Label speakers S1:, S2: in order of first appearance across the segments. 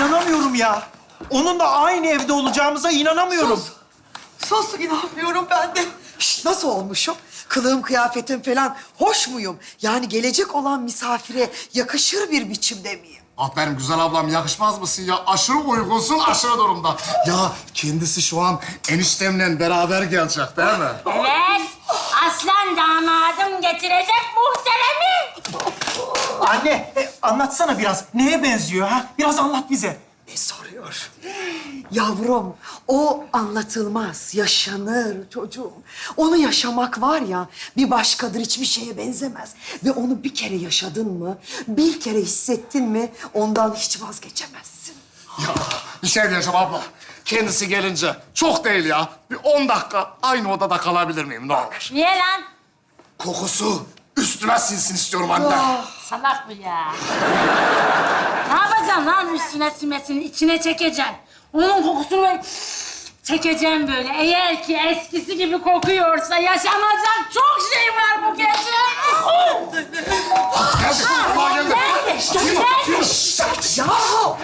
S1: İnanamıyorum ya. Onunla aynı evde olacağımıza inanamıyorum.
S2: Sus inanmıyorum ben de. Şişt, nasıl olmuşum? Kılığım, kıyafetim falan hoş muyum? Yani gelecek olan misafire yakışır bir biçimde miyim?
S3: Aferin güzel ablam, yakışmaz mısın ya? Aşırı uygunsun, aşırı durumda. Ya kendisi şu an eniştemle beraber gelecek değil mi?
S4: Evet. Aslan damadım getirecek muhteremi.
S1: Anne, anlatsana biraz. Neye benziyor ha? Biraz anlat bize.
S2: Ne soruyor? Yavrum, o anlatılmaz, yaşanır çocuğum. Onu yaşamak var ya, bir başkadır, hiçbir şeye benzemez. Ve onu bir kere yaşadın mı, bir kere hissettin mi, ondan hiç vazgeçemezsin.
S3: Ya bir şey diyeceğim abla. Kendisi gelince çok değil ya. Bir 10 dakika aynı odada kalabilir miyim ne olur?
S4: Niye lan?
S3: Kokusu üstüme sinsin istiyorum anne.
S4: Salak bu ya. Ne yapacaksın lan üstüne simesini, içine çekeceksin. Onun kokusunu ben çekeceğim böyle. Eğer ki eskisi gibi kokuyorsa yaşanacak çok şey var bu gece.
S3: Geldi, kulağa geldi.
S4: Nerede?
S2: Yahu!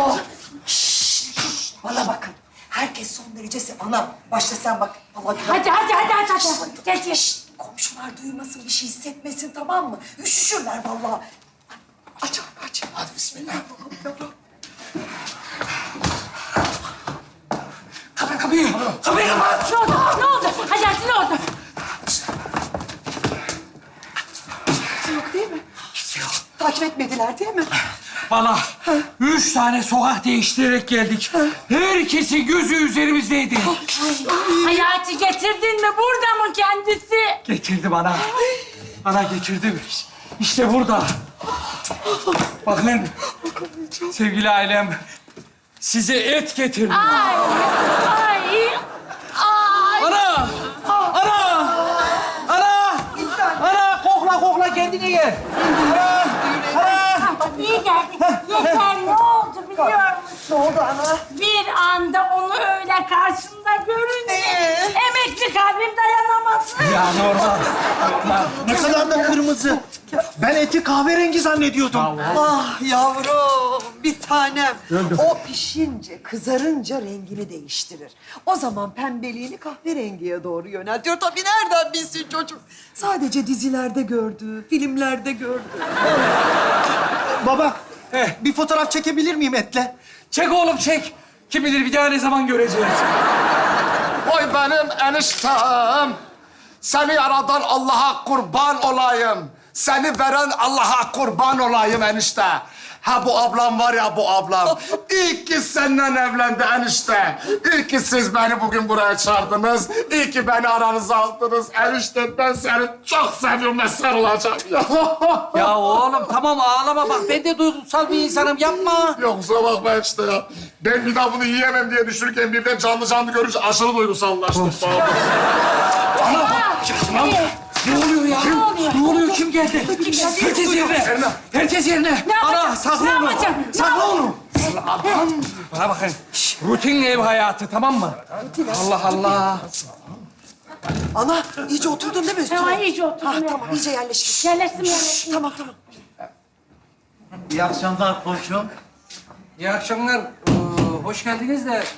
S2: Şşş! Bana bakın. Herkes son derece ana. Başla sen bak. Allah
S4: Hadi. Gel.
S2: Komşular duymasın, bir şey hissetmesin, tamam mı? Üşüşürler vallahi. Aç abi, aç.
S3: Hadi bismillah.
S2: Yavrum.
S1: Kapıyı kapat.
S4: Ne oldu? Hadi ne oldu?
S2: Yok değil mi? Takip etmediler değil mi?
S5: Valla 3 tane sokak değiştirerek geldik. Herkesin gözü üzerimizdeydi.
S4: Hayati getirdin mi? Burada mı kendisi?
S5: Getirdi bana. Bana getirdi. İşte burada. Bakın sevgili ailem size et getirdim.
S4: Ay.
S5: Ana! Ana! Ana! Ana! Kokla kendine gel.
S4: İyi geldik. Yeter ne oldu biliyor musun?
S2: Ne oldu ana?
S4: Bir anda onu öyle karşımda görünce emekli kalbim dayanamadı.
S5: Ya normal.
S1: Ne kadar da kırmızı. Ben eti kahverengi zannediyordum.
S2: Ah yavrum, bir tanem. O pişince, kızarınca rengini değiştirir. O zaman pembeliğini kahverengiye doğru yöneltiyor. Tabii nereden bilsin çocuk? Sadece dizilerde gördü, filmlerde gördü.
S1: Baba, bir fotoğraf çekebilir miyim etle?
S5: Çek oğlum çek. Kim bilir bir daha ne zaman göreceğiz.
S3: Oy benim eniştem. Seni yaradan Allah'a kurban olayım. Seni veren Allah'a kurban olayım enişte. Ha bu ablam var ya bu ablam. İyi ki senden evlendi enişte. İyi ki siz beni bugün buraya çağırdınız. İyi ki beni aranıza aldınız. Enişte ben seni çok seviyorum ve sarılacağım.
S5: Ya oğlum tamam ağlama bak. Ben de duygusal bir insanım yapma.
S3: Yok kusura bakma enişte ya. Ben bir daha bunu yiyemem diye düşünürken birden canlı görünce aşırı duygusallaştım.
S5: Ne oluyor ya? Ne oluyor? Kim geldi? Herkes yerine. Herkes yerine. Ana sakla onu. Sakla onu. Bana bakın. Rutin ev hayatı tamam mı? Allah Allah.
S2: Ana, iyice oturdun değil mi üstüne?
S4: Tamam, iyice oturdum,
S2: Ha,
S4: evet.
S2: tamam, iyice yerleştin.
S4: Yerleştim.
S2: Tamam.
S6: İyi akşamlar komşum.
S5: İyi akşamlar. Hoş geldiniz de.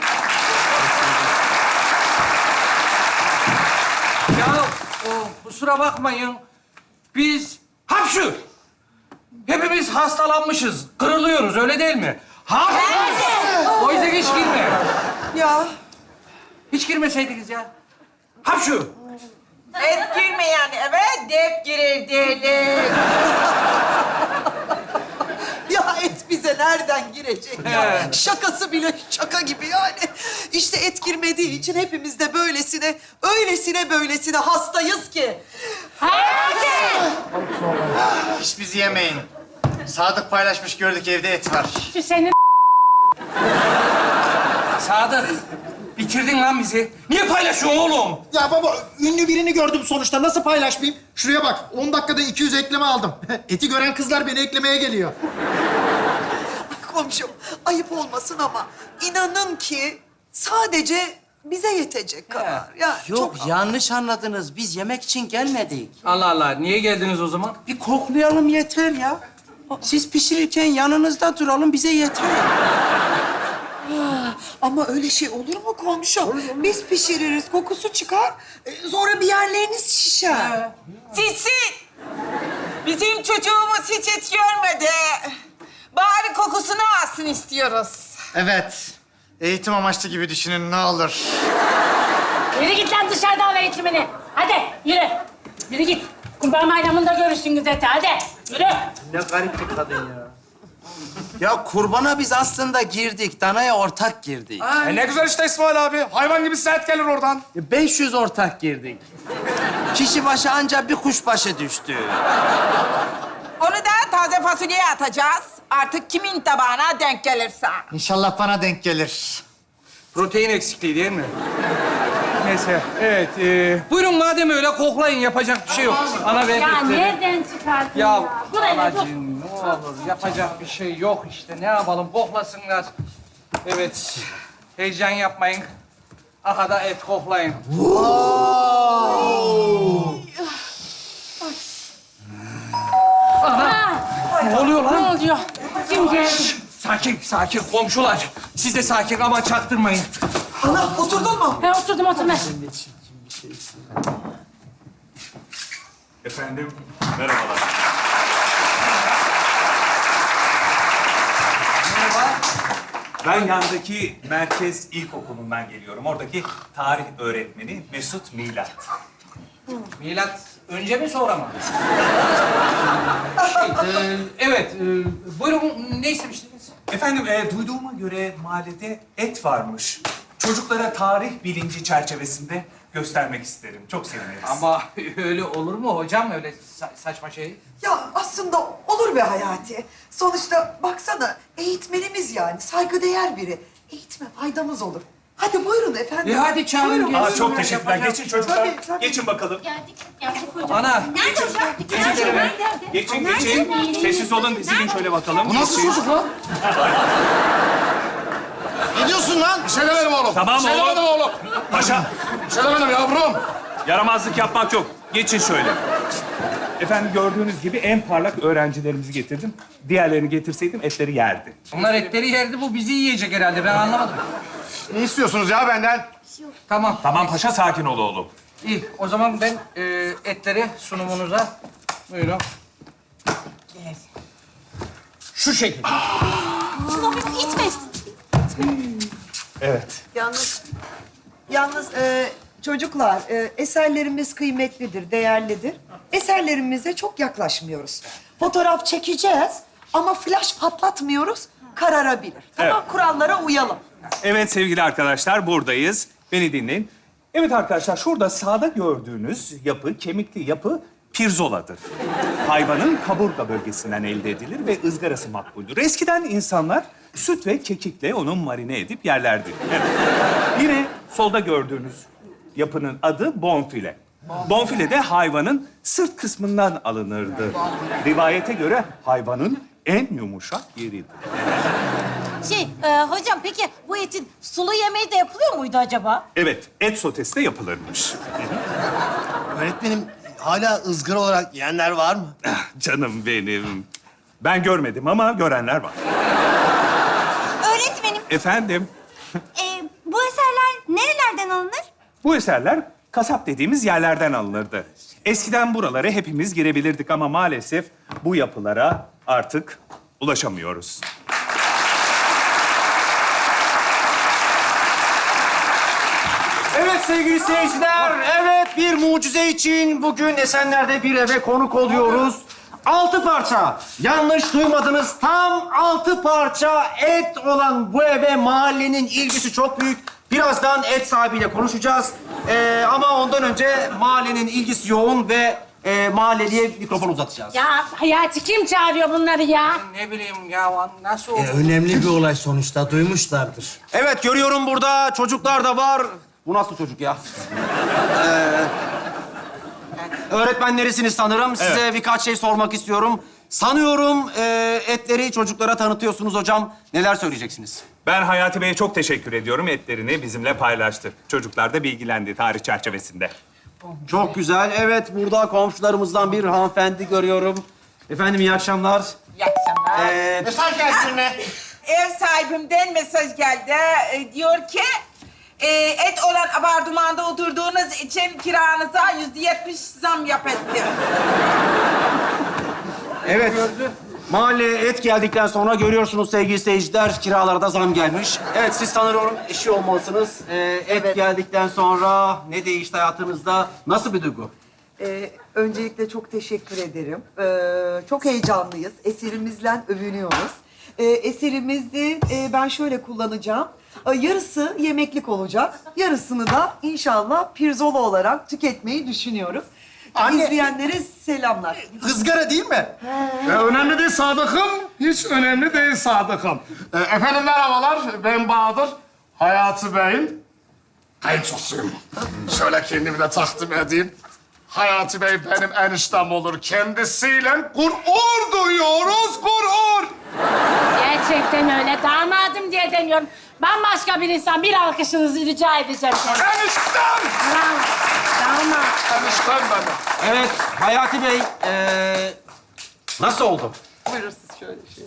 S5: Ya kusura bakmayın. Biz hapşu. Hepimiz hastalanmışız. Kırılıyoruz öyle değil mi? Hapşu. O yüzden hiç girme.
S2: Ya,
S5: Hiç girmeseydiniz ya. Hapşu.
S7: Et girmeyen eve dep girer derler.
S2: ya et bize nereden girecek ya?
S5: He.
S2: Şakası bile şaka gibi yani. İşte et girmediği için hepimiz de böylesine hastayız ki.
S6: Hiç bizi yemeyin. Sadık paylaşmış gördük evde et var.
S4: Şu senin
S5: Sadık. Bitirdin lan bizi. Niye paylaşıyorsun oğlum?
S1: Ya baba, ünlü birini gördüm sonuçta. Nasıl paylaşmayayım? Şuraya bak, 10 dakikada 200 ekleme aldım. Eti gören kızlar beni eklemeye geliyor.
S2: Komşum, ayıp olmasın ama inanın ki sadece bize yetecek kadar. Ya
S6: Yok
S2: çok
S6: yanlış anladınız. Biz yemek için gelmedik.
S5: Allah Allah. Niye geldiniz o zaman?
S6: Bir koklayalım yeter ya.
S5: Siz pişirirken yanınızda duralım, bize yeter.
S2: Ama öyle şey olur mu komşu? Biz pişiririz, kokusu çıkar. Sonra bir yerleriniz şişer.
S7: Sitsin. Bizim çocuğumuz hiç et görmedi. Bari kokusunu alsın istiyoruz.
S6: Evet. Eğitim amaçlı gibi düşünün ne olur.
S4: Yürü git lan dışarıda al eğitimini. Hadi yürü. Yürü git. Kurban bayramında görüşsünüz ete. Hadi yürü.
S5: Ne garip bir kadın ya. Ya kurbana biz aslında girdik, danaya ortak girdik.
S3: Ne güzel işte İsmail abi. Hayvan gibi set gelir oradan.
S5: 500 ortak girdik. Kişi başı ancak bir kuşbaşı düştü.
S7: Onu da taze fasulyeye atacağız. Artık kimin tabağına denk gelirse.
S6: İnşallah bana denk gelir.
S5: Protein eksikliği değil mi? Neyse, evet. Buyurun madem öyle koklayın, yapacak bir şey yok. Ana ve
S4: Ya
S5: etleri.
S4: nereden çıkardın
S5: Ya
S4: ya? Dur hele dur.
S5: anacığım ne olur, yapacak bir şey yok işte. Ne yapalım, koklasınlar. Evet, heyecan yapmayın. Aha da et koklayın. Ne oluyor
S4: Ne
S5: lan?
S4: oluyor? Kim geldi?
S5: Sakin, sakin komşular. Siz de sakin ama çaktırmayın.
S2: Ana oturdun mu?
S4: Ben oturdum oturma.
S8: Efendim, merhabalar. Ben yandaki Merkez İlkokulu'ndan geliyorum. Oradaki tarih öğretmeni Mesut Milat.
S5: Milat önce mi sonra mı? Evet, buyurun ne istemiştiniz?
S8: Efendim, duyduğuma göre mahallede et varmış. Çocuklara tarih bilinci çerçevesinde göstermek isterim. Çok seviniriz.
S5: Ama öyle olur mu hocam öyle saçma şey?
S2: Ya aslında olur be Hayati. Sonuçta baksana eğitmenimiz yani saygıdeğer biri. Eğitime faydamız olur. Hadi buyurun efendim.
S5: Hadi çağırın
S2: Buyurun.
S5: gelsin.
S8: Aa, çok teşekkürler. Geçin çocuklar.
S2: Tabii, tabii.
S8: Geçin bakalım.
S4: Geldik hocam.
S5: Ana.
S4: Nerede hocam?
S8: Geçin şöyle. Geçin, geçin. Sessiz olun, dizilin şöyle bakalım.
S3: Bu nasıl çocuk lan? Ne diyorsun lan? Bir şey demedim oğlum.
S8: Tamam
S3: bir şey
S8: oğlum.
S3: demedim oğlum.
S8: Paşa,
S3: Bir şey demedim yavrum.
S8: yaramazlık yapmak yok. Geçin şöyle. Efendim gördüğünüz gibi en parlak öğrencilerimizi getirdim. Diğerlerini getirseydim etleri yerdi.
S5: Onlar etleri yerdi, bu bizi yiyecek herhalde. Ben anlamadım.
S3: Ne istiyorsunuz ya benden?
S5: Tamam.
S8: Tamam paşa, sakin ol oğlum.
S5: İyi, o zaman ben etleri sunumunuza... Buyurun. Şu şekilde.
S8: Evet.
S2: Yalnız çocuklar eserlerimiz kıymetlidir, değerlidir. Eserlerimize çok yaklaşmıyoruz. Fotoğraf çekeceğiz ama flash patlatmıyoruz, kararabilir. Tamam,
S8: Evet.
S2: kurallara uyalım.
S8: Evet sevgili arkadaşlar, buradayız. Beni dinleyin. Evet arkadaşlar, şurada sağda gördüğünüz yapı, kemikli yapı pirzoladır. Hayvanın kaburga bölgesinden elde edilir ve ızgarası makbuldür. Eskiden insanlar süt ve kekikle onu marine edip yerlerdi. Evet. Yine solda gördüğünüz yapının adı bonfile. Bonfile de hayvanın sırt kısmından alınırdı. Rivayete göre hayvanın en yumuşak yeridir.
S9: Hocam peki bu etin sulu yemeği de yapılıyor muydu acaba?
S8: Evet, et sotesi de yapılırmış.
S10: Öğretmenim hala ızgara olarak yiyenler var mı?
S8: Canım benim. Ben görmedim ama görenler var.
S9: Öğretmenim,
S8: Efendim,
S9: bu eserler nerelerden alınır?
S8: bu eserler kasap dediğimiz yerlerden alınırdı. Eskiden buralara hepimiz girebilirdik ama maalesef bu yapılara artık ulaşamıyoruz.
S10: Evet sevgili seyirciler, evet bir mucize için bugün Esenler'de bir eve konuk oluyoruz. 6 parça, yanlış duymadınız, tam 6 parça et olan bu eve mahallenin ilgisi çok büyük. Birazdan et sahibiyle konuşacağız. Ama ondan önce mahallenin ilgisi yoğun ve mahalleliye mikrofon uzatacağız.
S4: Ya Hayati kim çağırıyor bunları ya?
S5: Ne bileyim ya, nasıl oldu?
S10: Önemli bir olay sonuçta, duymuşlardır. Evet, görüyorum burada çocuklar da var. Bu nasıl çocuk ya? Öğretmenlerisiniz sanırım. Size birkaç şey sormak istiyorum. Sanıyorum etleri çocuklara tanıtıyorsunuz hocam. Neler söyleyeceksiniz?
S8: Ben Hayati Bey'e çok teşekkür ediyorum. Etlerini bizimle paylaştı. Çocuklar da bilgilendi tarih çerçevesinde.
S10: Çok güzel. Evet, burada komşularımızdan bir hanımefendi görüyorum. Efendim iyi akşamlar.
S7: Yaksa.
S6: Mesaj geldi birine.
S7: Ev sahibimden mesaj geldi. Diyor ki et olan apartmanda oturduğunuz için kiranıza %70 zam yap etti.
S10: Evet. Mahalleye et geldikten sonra görüyorsunuz sevgili seyirciler, kiralara da zam gelmiş. Evet, siz sanırım eşi olmalısınız. Et geldikten sonra ne değişti hayatınızda? Nasıl bir duygu?
S2: Öncelikle çok teşekkür ederim. Çok heyecanlıyız. Eserimizle övünüyoruz. Eserimizi ben şöyle kullanacağım. Yarısı yemeklik olacak. Yarısını da inşallah pirzola olarak tüketmeyi düşünüyoruz.
S1: Anne.
S2: İzleyenlere selamlar.
S1: Izgara değil mi?
S3: Önemli değil Sadık'ım. Hiç önemli değil Sadık'ım. Efendim merhabalar. Ben Bahadır. Hayati Bey'in kayınçosuyum. Şöyle kendimi de takdim edeyim. Hayati Bey benim eniştem olur. Kendisiyle gurur duyuyoruz, gurur.
S4: Gerçekten öyle. Damadım diye demiyorum. Bambaşka bir insan. Bir alkışınızı rica edeceğim.
S3: Eniştem!
S4: Bravo. Damat.
S3: Eniştem benim.
S10: Evet, Hayati Bey, nasıl oldu?
S2: Buyurun siz şöyle şey.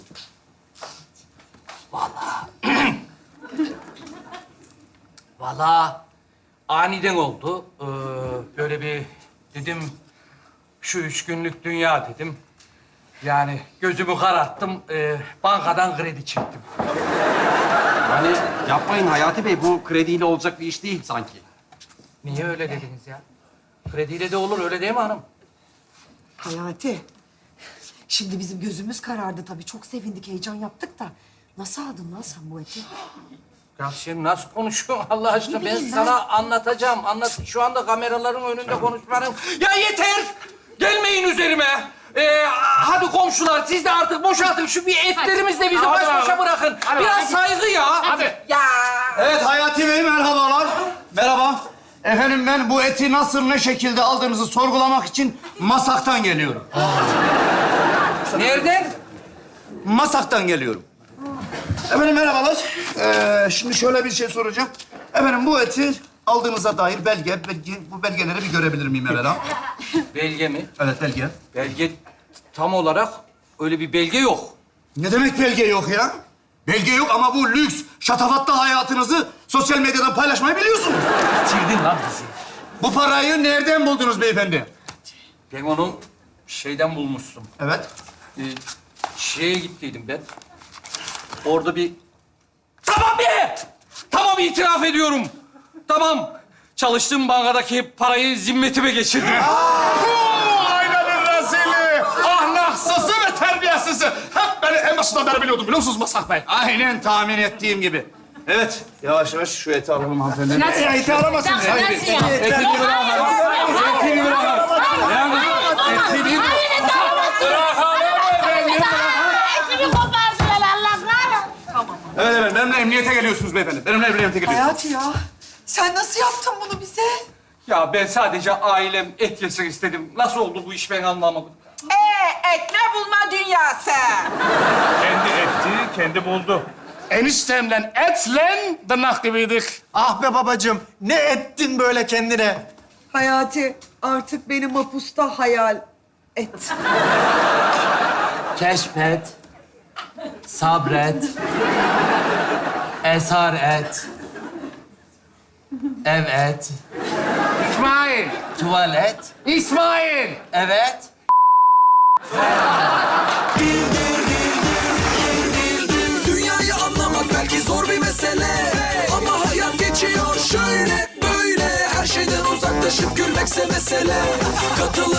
S5: Vallahi aniden oldu. Böyle bir dedim, şu 3 günlük dünya dedim. Yani gözümü kararttım, bankadan kredi çektim.
S10: Yani yapmayın Hayati Bey, bu krediyle olacak bir iş değil sanki.
S5: Niye öyle dediniz ya? Krediyle de olur, öyle değil mi hanım?
S2: Hayati, şimdi bizim gözümüz karardı tabii. Çok sevindik, heyecan yaptık da. Nasıl aldın lan sen bu eti?
S5: Ya sen nasıl konuşuyorsun Allah aşkına? Ben sana anlatacağım. Şu anda kameraların önünde konuşmanın... Ya yeter! Gelmeyin üzerime. Hadi komşular, siz de artık boşaltın. Şu bir etlerimizle bizi baş başa bırakın. Biraz saygı ya.
S3: Hadi.
S7: Ya
S10: Evet Hayati Bey, merhabalar. Merhaba. Efendim ben bu eti nasıl, ne şekilde aldığınızı sorgulamak için Masak'tan geliyorum.
S5: Nereden?
S10: Masak'tan geliyorum. Efendim merhabalar. Şimdi şöyle bir şey soracağım. Efendim bu eti aldığınıza dair bu belgeleri bir görebilir miyim evvela?
S5: Belge mi?
S10: Evet, belge.
S5: Belge tam olarak öyle bir belge yok.
S10: Ne demek belge yok ya? Belge yok ama bu lüks, şatafatlı hayatınızı sosyal medyadan paylaşmayı biliyorsunuz.
S5: Bitirdin lan bizi.
S10: Bu parayı nereden buldunuz beyefendi?
S5: Ben onu şeyden bulmuştum.
S10: Evet.
S5: Şeye gittiydim ben. Orada bir... Tamam be! Tamam, itiraf ediyorum. Tamam. Çalıştığım bankadaki parayı zimmetime geçirdim.
S3: Ailenin rezili, ahlaksızı ve terbiyesizi. Hep beni en başından beri biliyordum biliyor musunuz Masak Bey?
S10: Aynen tahmin ettiğim gibi. Evet, yavaş yavaş şu eti alalım hanımefendi.
S4: Nasıl?
S10: Eti alamazsın.
S4: Nasıl ya?
S10: Etini bırak. Etini bırak. Etini bırak.
S4: Etimi kopardılar Allah'ım.
S10: Evet efendim, benimle emniyete geliyorsunuz beyefendi. Benimle emniyete geliyorsunuz.
S2: Hayati ya, sen nasıl yaptın bunu bize?
S5: Ya ben sadece ailem et yesin istedim. Nasıl oldu bu iş ben anlamadım.
S7: etme bulma dünyası.
S8: Kendi etti, kendi buldu.
S3: Eniştemle etle tırnak gibiydik.
S1: Ah be babacığım, ne ettin böyle kendine?
S2: Hayati, artık beni mapusta hayal et.
S5: Keşfet, sabret, esar et, evet,
S3: İsmail,
S5: tuvalet,
S3: İsmail.
S5: evet.
S11: Dünyayı anlamak belki zor bir mesele, ama hayat geçiyor şöyle böyle. Her şeyden uzaklaşıp gülmekse mesele. Katıl